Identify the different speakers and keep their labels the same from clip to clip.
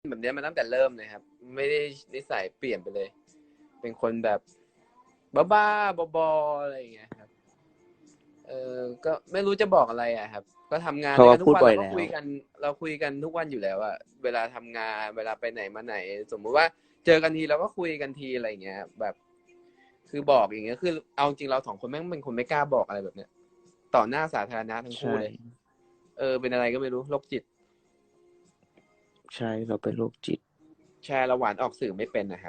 Speaker 1: แบบนี้มาตั้งแต่เริ่มเลยครับ ไม่ได้นิสัยเปลี่ยนไปเลย เป็นคนแบบบ้าๆบอๆอะไรอย่างเงี้ยครับก็ไม่รู้จะบอกอะไรอ่ะครับ ก็ทำงาน
Speaker 2: เพราะว่าพู
Speaker 1: ด้วยกันทุกวันเราก็
Speaker 2: ดบ่อยแล้ว
Speaker 1: คุยกันเราคุยกันทุกวันอยู่แล้วอะเวลาทำงานเวลาไปไหนมาไหน สมมุติว่าเจอกันทีเราก็คุยกันทีอะไรอย่างเงี้ยแบบคือบอกอย่างเงี้ยคือเอาจริงเราสองคนแม่งเป็นคนไม่กล้าบอกอะไรแบบเนี้ยต่อหน้าสาธารณะทั้งคู่
Speaker 2: ใช่
Speaker 1: เลยเป็นอะไรก็ไม่รู้โรคจิต
Speaker 2: ใช่เราเป็นโรคจิต
Speaker 1: แชร์ระหว่านออกสื่อไม่เป็นนะครับ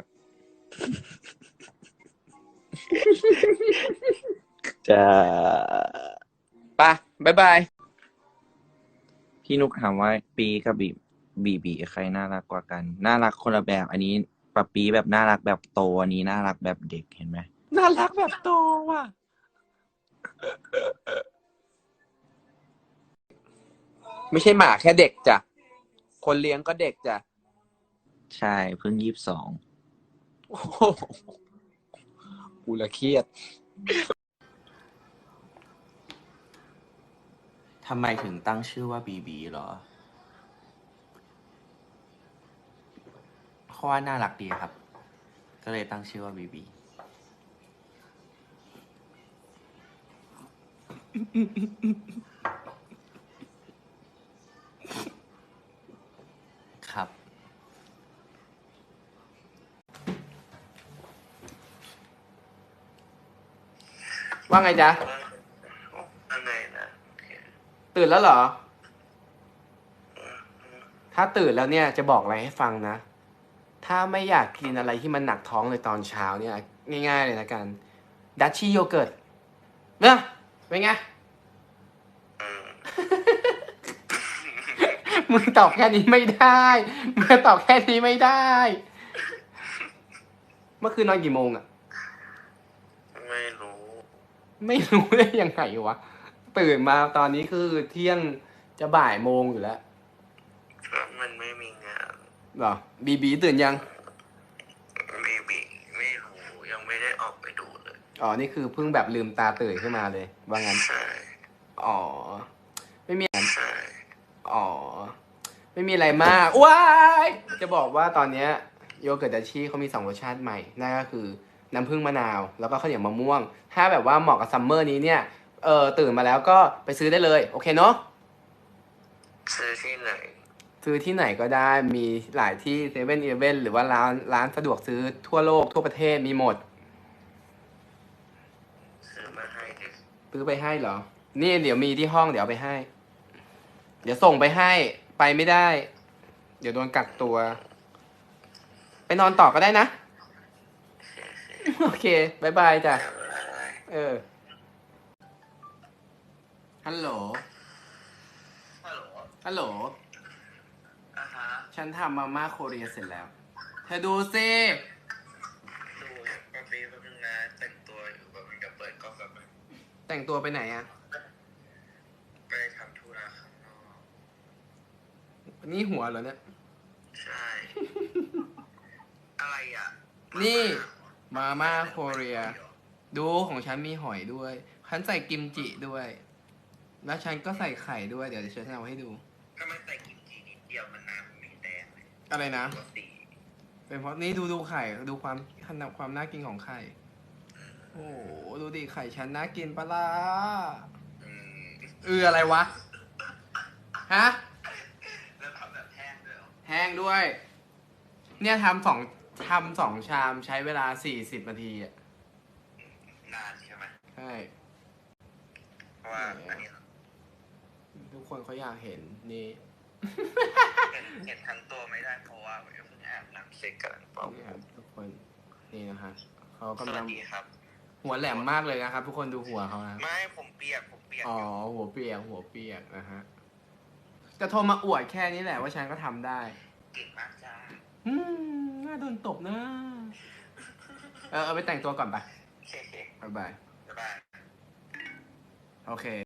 Speaker 2: จะ
Speaker 1: ไปบ๊ายบาย
Speaker 2: พี่นุกถามว่าปีกับบีใครน่ารักกว่ากันน่ารักคนละแบบอันนี้ปะปีแบบน่ารักแบบโตอันนี้น่ารักแบบเด็กเห็นไหม
Speaker 1: น่ารักแบบโตว่ะไม่ใช่หมาแค่เด็กจ้ะคนเลี้ยงก็เด็กจ้ะ
Speaker 2: ใช่เพิ่ง22
Speaker 1: โอ้โหกูละเครียด
Speaker 3: ทำไมถึงตั้งชื่อว่าบีบีเหรอเพราะว่าน่ารักดีครับ ก็เลยตั้งชื่อว่าบีบีครับ
Speaker 1: ว่าไงจ๊ะ
Speaker 4: อะไรนะ
Speaker 1: ตื่นแล้วเหรอ ถ้าตื่นแล้วเนี่ยจะบอกอะไรให้ฟังนะ ถ้าไม่อยากกินอะไรที่มันหนักท้องเลยตอนเช้าเนี่ยง่ายๆเลยนะกันดัชชี่โยเกิร์ตเนี่ยเป็นไง มึงตอบแค่นี้ไม่ได้มึงตอบแค่นี้ไม่ได้ เมื่อคืนนอนกี่โมงอะ
Speaker 4: ไม่รู้
Speaker 1: ไม่รู้ได้ยังไงวะ ตื่นมาตอนนี้คือเที่ยงจะบ่ายโมงอยู่แล้ว
Speaker 4: เพราะมันไม่มีงาน
Speaker 1: เหรอบีตื่นยัง
Speaker 4: บีไม่รู้ยังไม่ได้ออกไปดูเลย
Speaker 1: อ๋อนี่คือเพิ่งแบบลืมตาตื่นขึ้นมาเลยว่างั้น
Speaker 4: ใช่
Speaker 1: อ๋อไม่มี
Speaker 4: ใช่
Speaker 1: อ๋อไม่มีอะไรมากว้ายจะบอกว่าตอนเนี้ยโยเกิร์ตดัชชี่เขามี2รสชาติใหม่นั่นก็คือน้ำผึ้งมะนาวแล้วก็ข้าวเหนียวมะม่วงถ้าแบบว่าเหมาะกับซัมเมอร์นี้เนี่ยตื่นมาแล้วก็ไปซื้อได้เลยโอเคเนาะ
Speaker 4: ซื้อที่ไหน
Speaker 1: ซื้อที่ไหนก็ได้มีหลายที่เซเว่นอีเลฟเว่นหรือว่าร้านสะดวกซื้อทั่วโลกทั่วประเทศมีหมด
Speaker 4: ซื้อมาให้ดิ
Speaker 1: ซื้อไปให้เหรอนี่เดี๋ยวมีที่ห้องเดี๋ยวเอาไปให้ เดี๋ยวส่งไปให้ไปไม่ได้ เดี๋ยวโดนกักตัว ไปนอนต่อก็ได้นะ โอเคบายบายจ้ะฮัลโหล
Speaker 4: ฮัลโหล
Speaker 1: ฮัลโหล
Speaker 4: ฮะ
Speaker 1: ฉันทำมาม่าโคเรียเสร็จแล้ว เธอดูสิ
Speaker 4: ดูปปีแป๊บนึงนะแต่งตัวอยู่แบบมันจะเปิดกล้องแบบมัน
Speaker 1: แต่งตัวไปไหนอะ
Speaker 4: ไปทำธุระข้างนอก
Speaker 1: นี่หัวเหรอเนี่ย
Speaker 4: ใช่ อะไรอ่ะ
Speaker 1: นี่มาม่าโคเรีย ดูของฉันมีหอยด้วย ฉันใส่กิมจิด้วย แล้วฉันก็ใส่ไข่ด้วย เดี๋ยวฉันจะเอาให้ดู
Speaker 4: ถ้ามันใส่กิมจินิดเดียวมันน้ำไม่แดงเลย
Speaker 1: อะไรนะ
Speaker 4: ปกติ
Speaker 1: เป็นเพราะนี่ดูไข่ ดูความน่ากินของไข่ โอ้โหดูดิไข่ฉันน่ากินปะล่ะ
Speaker 4: อืม
Speaker 1: อะไรวะ ฮะ
Speaker 4: แล้วทำแบบแห้งด้วยเหรอ
Speaker 1: แห้งด้วย เนี่ยทำสองชามใช้เวลา40 นาทีอ่ะ
Speaker 4: นานใช่ไหม
Speaker 1: ใช่
Speaker 4: เพราะว่าอันนี้
Speaker 1: ทุกคนเขาอยากเห็นนี่
Speaker 4: เห็นทั้งตัวไม่ได้เพราะว่าเพิ่งอาบน้ำเสร็จกันเปล่า
Speaker 1: นี่ครับทุกคนนี่นะฮะเขา
Speaker 4: ส
Speaker 1: กำ
Speaker 4: วั
Speaker 1: ลั
Speaker 4: ส
Speaker 1: ง
Speaker 4: ดีครับ
Speaker 1: หัวแหลมมากเลยนะครับ ทุกคนดูหัวเขานะ
Speaker 4: ไม่ผมเปียกอ
Speaker 1: อ๋อยู่ หัวเปียกนะฮะจะโทรมาอวดแค่นี้แหละว่าฉันก็ทำได้
Speaker 4: เก่งมากจ้า
Speaker 1: น่าโดนตบนะเอาไปแต่งตัวก่อนไป
Speaker 4: โอเค
Speaker 1: บ๊ายบาย
Speaker 4: บ๊ายบาย
Speaker 1: โอเค